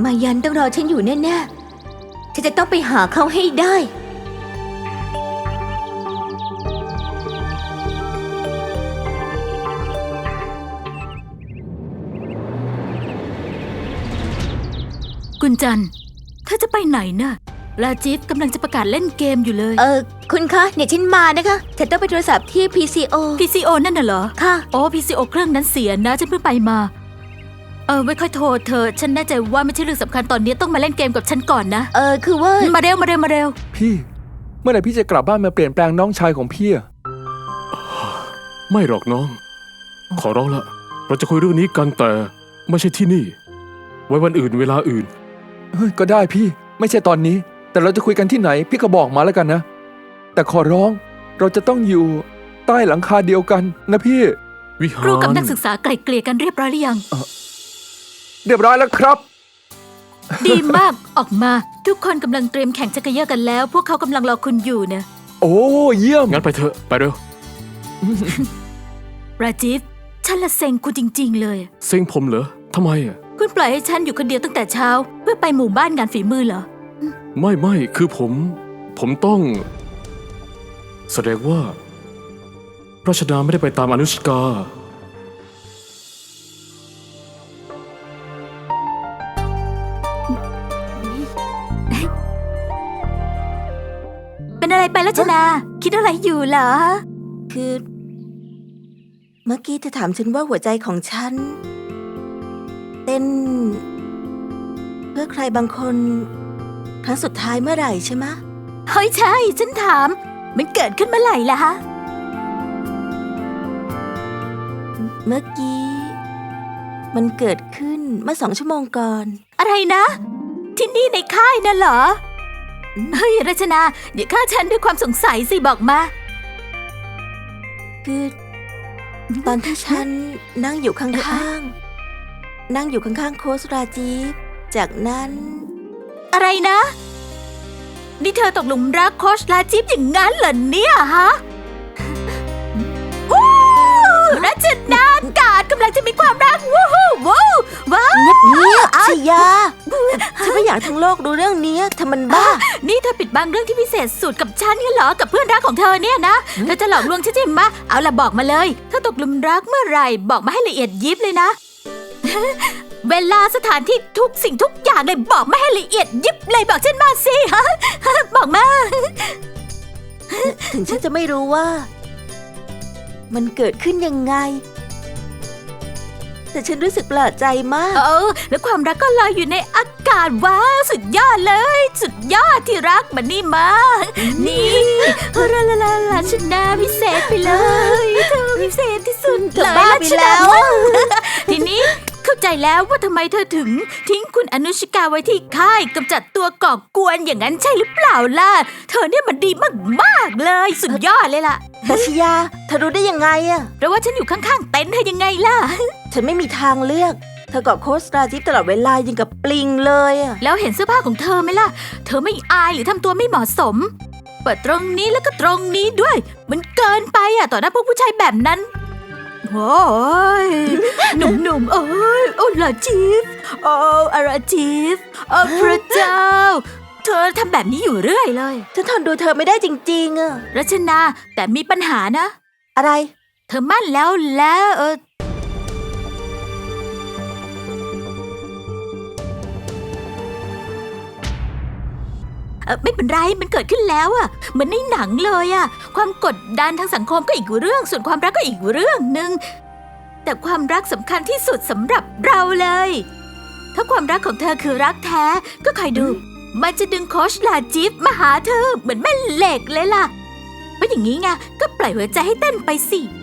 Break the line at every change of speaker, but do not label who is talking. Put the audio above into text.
มายันต้องรอฉันอยู่แน่ๆฉันจะต้องไปหาเขาให้ได้
กุญจันเธอจะไปไหนน่ะราจีฟกำลังจะประกาศเล่นเกมอยู่เลย
คุณคะเนี่ยฉันมานะคะฉันต้องไปโทรศัพท์ที่ PCO
นั่นน่ะเหรอ
ค่ะ
โอ้ PCO เครื่องนั้นเสียนะฉันเพิ่งไปมาไม่ค่อยโทรเธอฉันแน่ใจว่าไม่ใช่เรื่องสำคัญตอนนี้ต้องมาเล่นเกมกับฉันก่อนนะ
คือว่า
มาเร็ว
พี่เมื่อไหร่พี่จะกลับบ้านมาเปลี่ยนแปลงน้องชายของพี่อะ
ไม่หรอกน้องขอร้องละเราจะคุยเรื่องนี้กันแต่ไม่ใช่ที่นี่ไว้วันอื่นเวลาอื่น
ก็ได้พี่ไม่ใช่ตอนนี้แต่เราจะคุยกันที่ไหนพี่ก็บอกมาแล้วกันนะแต่ขอร้องเราจะต้องอยู่ใต้หลังคาเดียวกันนะพี่
วิหาร
ครูกับนักศึกษาไกล่เกลี่ยกันเรียบร้อยหรือยัง
เรียบร้อยแล้วครับ
ดีมากออกมาทุกคนกำลังเตรียมแข่งจักรยานกันแล้วพวกเขากำลังรอคุณอยู่นะ
โอ้เยี่ยม
งั้นไปเถอะไปเร็ว
ราจีฟฉันละเซ็งคุณจริงๆเลย
เซ็งผมเหรอทำไมอ่ะ
คุณปล่อยให้ฉันอยู่คนเดียวตั้งแต่เช้าเพื่อไปหมู่บ้านงานฝีมือเหรอ
ไม่คือผมต้องแสดงว่าราชดาไม่ได้ไปตามอนุชกา
เป็นอะไรไปรัชดาคิดอะไรอยู่เหรอ
คือเมื่อกี้เธอถามฉันว่าหัวใจของฉันเต้นเพื่อใครบางคนครั้งสุดท้ายเมื่อไหร่ใช่ไหม
เฮ้ยใช่ฉันถามมันเกิดขึ้นเมื่อไหร่ล่ะฮะ
เมื่อกี้มันเกิดขึ้นเมื่อ2 ชั่วโมงก่อน
อะไรนะที่นี่ในค่ายน่ะเหรอเฮ้ยรัชนาอย่าฆ่าฉันด้วยความสงสัยสิบอกมา
คือตอนที่ฉันนั่งอยู่ข้างโค้ชราจีฟจากนั้น
อะไรนะนี่เธอตกหลุมรักโค้ชราจีฟอย่างนั้นเหรอเนี่ยฮะรัชนากาดกำลังจะมีความรักว้าว
เงียบชยาฉันไม่อยากทั้งโลกรู้เรื่องนี้ทำมันบ้า
นี่เธอปิดบังเรื่องที่พิเศษสุดกับฉันงั้นเหรอกับเพื่อนรักของเธอเนี่ยนะเธอจะหลอกลวงฉันใช่ไหมเอาล่ะบอกมาเลยถ้าตกหลุมรักเมื่อไหร่บอกมาให้ละเอียดยิบเลยนะเวลาสถานที่ทุกสิ่งทุกอย่างเลยบอกมาให้ละเอียดยิบเลยบอกฉันมาสิฮะบอกมา
ถึงฉันจะไม่รู้ว่ามันเกิดขึ้นยังไงแต่ฉันรู้สึกประหลาดใจมาก
แล้วความรักก็ลอยอยู่ในอากาศว้าวสุดยอดเลยสุดยอดที่รักมันนี่มานี่ลาชนาพิเศษไปเลยเธอพิเศษที่สุดเลย
ลาชนา
ทีนี้เข้าใจแล้วว่าทำไมเธอถึงทิ้งคุณอนุชิกาไว้ที่ค่ายกำจัดตัวก่อกวนอย่างนั้นใช่หรือเปล่าล่ะเธอเนี่ยมันดีมากๆเลยสุดยอดเลยล่ะ
ดัชยาเธอรู้ได้ยังไงอะ
เพราะว่าฉันอยู่ข้างๆเต็นท์เธอยังไงล่ะ
ฉันไม่มีทางเลือกเธอกับโค้ชราจีฟตลอดเวลายังกับปลิงเลยอะ
แล้วเห็นเสื้อผ้าของเธอไหมล่ะเธอไม่อายหรือทำตัวไม่เหมาะสมเปิดตรงนี้แล้วก็ตรงนี้ด้วยมันเกินไปอะต่อหน้าพวกผู้ชายแบบนั้นโอ้ยหนุ่มๆโอ้ลาจีฟอาราจีฟพระเจ้าเธอทำแบบนี้อยู่เรื่อยเลย
ฉันทนดูเธอไม่ได้จริงๆอะ
รัชนาแต่มีปัญหานะ
อะไร
เธอมั่นแล้วไม่เป็นไรมันเกิดขึ้นแล้วอะเหมือนในหนังเลยอะความกดดันทางสังคมก็อีกเรื่องส่วนความรักก็อีกเรื่องนึงแต่ความรักสำคัญที่สุดสำหรับเราเลยถ้าความรักของเธอคือรักแท้ก็คอยดูมันจะดึงโค้ชลาจีฟมาหาเธอเหมือนแม่เหล็กเลยล่ะเพราะอย่างนี้ไงก็ปล่อยหัวใจให้เต้นไปสิ